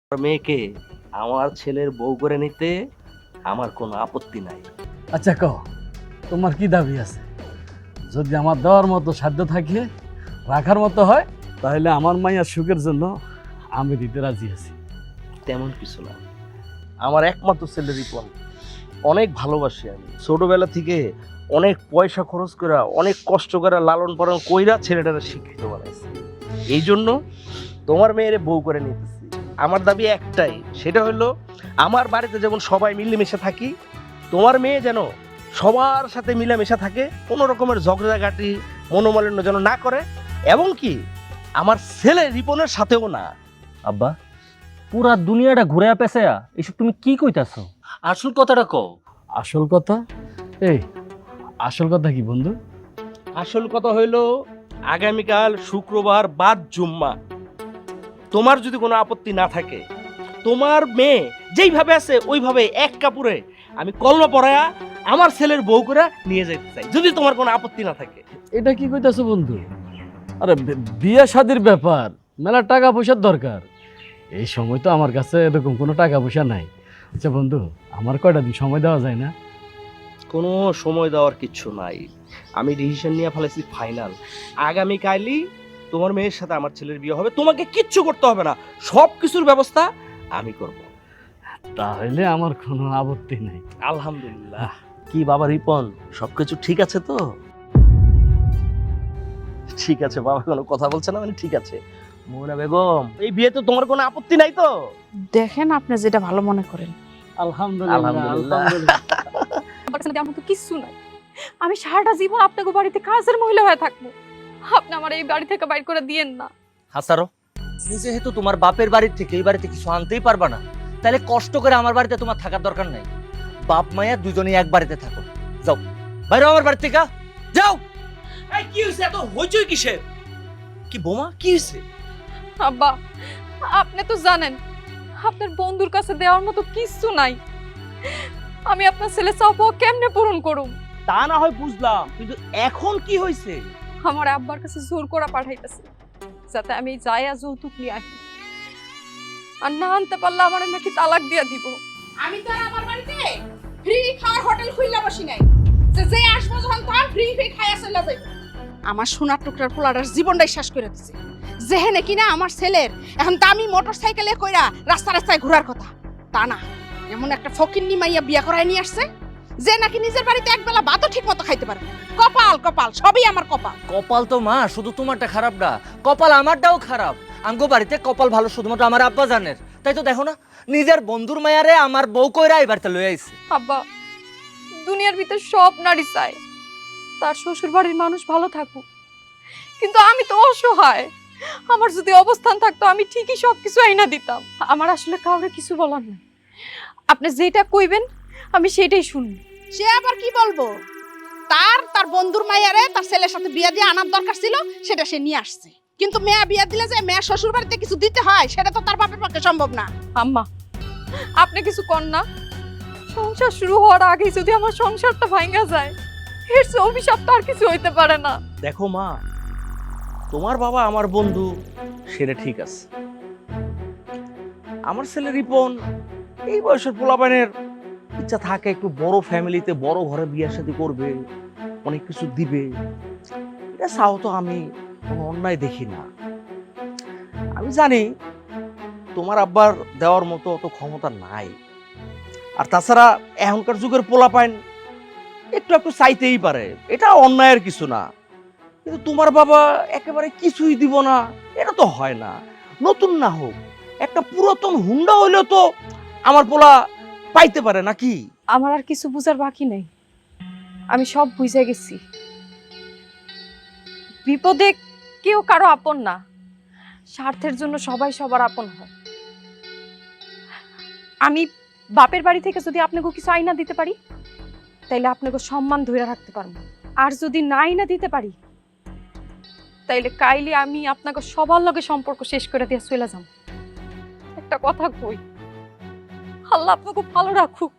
মেয়েকে আমার ছেলের বউ করে নিতে আমার কোনো আপত্তি নাই। আচ্ছা কও, তোমার কি দাবি আছে? যদি আমার দেওয়ার মতো সাধ্য থাকে, রাখার মতো হয়, তাহলে আমার মাইয়ার সুখের জন্য আমি দিতে রাজি আছি। তেমন কিছু না, আমার একমাত্র ছেলে রিপন অনেক ভালোবাসি। আমি ছোটবেলা থেকে অনেক পয়সা খরচ করে অনেক কষ্ট করে লালন পালন কইরা ছেলেটারে শিক্ষিত বানাইছি। এই জন্য তোমার মেয়েরে বউ করে নিতেছি। আমার দাবি একটাই, সেটা হলো আমার বাড়িতে যেমন সবাই মিলেমিশে থাকি, তোমার মেয়ে যেন সবার সাথে মিলেমিশে থাকে, কোনো রকমের ঝগড়াঝাটি মনোমালিন্য যেন না করে, এবং কি আমার ছেলে রিপনের সাথেও না। আব্বা, পুরা দুনিয়াটা ঘুরে পেছায়া এসব তুমি কি কইতাছো? আসল কথাটা কও। আসল কথা? এই আসল কথা কি বন্ধু? আসল কথা হইলো আগামীকাল শুক্রবার বাদ জুম্মা, তোমার যদি কোনো আপত্তি না থাকে, তোমার মেয়ে যেইভাবে আছে ওইভাবে এক কাপড়ে আমি কলমা পড়ায়া আমার ছেলের বউ করে নিয়ে যেতে চাই, যদি তোমার কোনো আপত্তি না থাকে। এটা কি কইতাছো বন্ধু? আরে বিয়ে শাদির ব্যাপার, মেলা টাকা পয়সার দরকার। এই সময় তো আমার কাছে এরকম কোনো টাকা পয়সা নাই। আচ্ছা বন্ধু, আমার কয়টা দিন সময় দেওয়া যায় না? কোনো সময় দেওয়ার কিচ্ছু নাই, আমি ডিসিশন নিয়ে ফেলেছি ফাইনাল। আগামীকালই তোমার মেয়ের সাথে আমার ছেলের বিয়ে হবে, তোমাকে কিচ্ছু করতে হবে না, সব কিছুর ব্যবস্থা আমি করব। তাহলে আমার কোনো আপত্তি নাই। আলহামদুলিল্লাহ। কি বাবা রিপন, সবকিছু ঠিক আছে তো? ঠিক আছে বাবা, কোনো কথা বলছে না মানে ঠিক আছে। মোহনা বেগম, এই বিয়েতে তোমার কোনো আপত্তি নাই তো? দেখেন আপনি যেটা ভালো মনে করেন। আলহামদুলিল্লাহ, আলহামদুলিল্লাহ। আলহামদুলিল্লাহ। আমার কাছে তেমন তো কিছু নাই। আমি সারাটা জীবন আপনাকে বাড়িতে কাজের মহিলা হয়ে থাকবো। আপনি আমার এই বাড়ি থেকে বাইর করে দিয়েন না। হাসারো, তুমি যেহেতু তোমার বাপের বাড়ির থেকে এই বাড়িতে কিছু আনতেই পারবা না, তাহলে কষ্ট করে আমার বাড়িতে তোমার থাকার দরকার নাই। বাপ মায়া দুজনেই এক বাড়িতে থাকো। যাও বাইরে আমার বাড়ি থেকে, যাও। এই কি হইছে, এত হইচই কিসের? কি বোমা, কি হইছে? আব্বা, আপনি তো জানেন আপনার বন্ধুর কাছে দেওয়ার মতো কিছু নাই। আমি আপনার ছেলে চাপ কেমনে পূরণ করুম? তা না হয় বুঝলাম, কিন্তু এখন কি হইছে? আমার আব্বার কাছে জোর করে পাঠাইতেছে যাতে আমি যায়া যৌতুক নিয়ে আসি, আর না আনতে পারলে আমার নাকি তালাক দিয়া দিব। আমি তো আর আমার বাড়িতে ফ্রি খাওয়ার হোটেল খুইলা বসি নাই যে যে আসবো যখন তখন ফ্রি ফ্রি খাইয়া চলে যাইব। আমার সোনার টুকরার পোলাটার জীবনটাই শেষ করে দিছে। যেহেনে কিনা আমার ছেলের এখন দামি মোটরসাইকেলে কইরা রাস্তা রাস্তায় ঘোরার কথা, তা না, এমন একটা ফকিন্নি মাইয়া বিয়া করায় নিয়ে আসছে যে নাকি নিজের বাড়িতে একবেলা ভাতও ঠিক মতো খাইতে পারবে না। কপাল কপাল, সবই আমার কপাল। কপাল তো মা শুধু তোমারটা খারাপ না, কপাল আমারটাও খারাপ। আমগো বাড়িতে কপাল ভালো শুধুমাত্র আমার আব্বা জানের। তাই তো দেখো না, নিজের বন্ধুর মায়ারে আমার বউ কইরা এই বাড়িতে লয়ে আইছে। আব্বা, দুনিয়ার ভিতর সব নারী চায় তার শ্বশুর বাড়ির মানুষ ভালো থাকুক, কিন্তু আমি তো অসহায়। আমার যদি অবস্থান থাকতো আমি ঠিকই সবকিছু আইনা দিতাম। আমার আসলে কাউরে কিছু বলার নাই। আপনি যেটা কইবেন আমি সেটাই শুনবো। সে আবার কি বলবো? তার বন্ধুর মাইয়ারে তার ছেলের সাথে বিয়ে দিয়ে আনার দরকার ছিল, সেটা সে নিয়ে আসছে। কিন্তু মেয়ে বিয়ে দিলে যে মেয়ে শ্বশুর বাড়িতে কিছু দিতে হয় সেটা তো তার বাপের পক্ষে সম্ভব না। আম্মা, আপনি কিছু কর না। সংসার শুরু হওয়ার আগেই যদি আমার সংসারটা ভাঙা যায়, এর চেয়ে অভিশাপ তো আর কিছু হইতে পারে না। দেখো মা, তোমার বাবা আমার বন্ধু, সেটা ঠিক আছে। আমার ছেলে রিপন এই বয়সের পোলাপানের ইচ্ছা থাকে একটু বড় ফ্যামিলিতে বড় ঘরে বিয়ে শাদী করবে, অনেক কিছু দিবে, এটা চাও তো আমি কোনো অন্যায় দেখি না। আমি জানি তোমার আব্বার দেওয়ার মতো অত ক্ষমতা নাই, আর তাছাড়া এখনকার যুগের পোলাপাইন একটু একটু চাইতেই পারে, এটা অন্যায়ের কিছু না। কিন্তু তোমার বাবা একেবারে কিছুই দিব না, এটা তো হয় না। নতুন না হোক, একটা পুরাতন হুন্ডা হইলেও তো আমার পোলা পাইতে পারে নাকি? আমার আর কিছু বুঝার বাকি নেই, আমি সব বুঝে গেছি। বিপদে কেউ কারো আপন না, স্বার্থের জন্য সবাই সবার আপন হয়। আমি বাপের বাড়ি থেকে যদি আপনাকে কিছু আইনা দিতে পারি, তাইলে আপনাকে সম্মান ধরে রাখতে পারবো। আর যদি না আইনা দিতে পারি, তাইলে কাইলে আমি আপনাকে সবার লগে সম্পর্ক শেষ করে দিয়ে চলে যাব। একটা কথা কই, আল্লাহ আপনাকে ভালো রাখুক।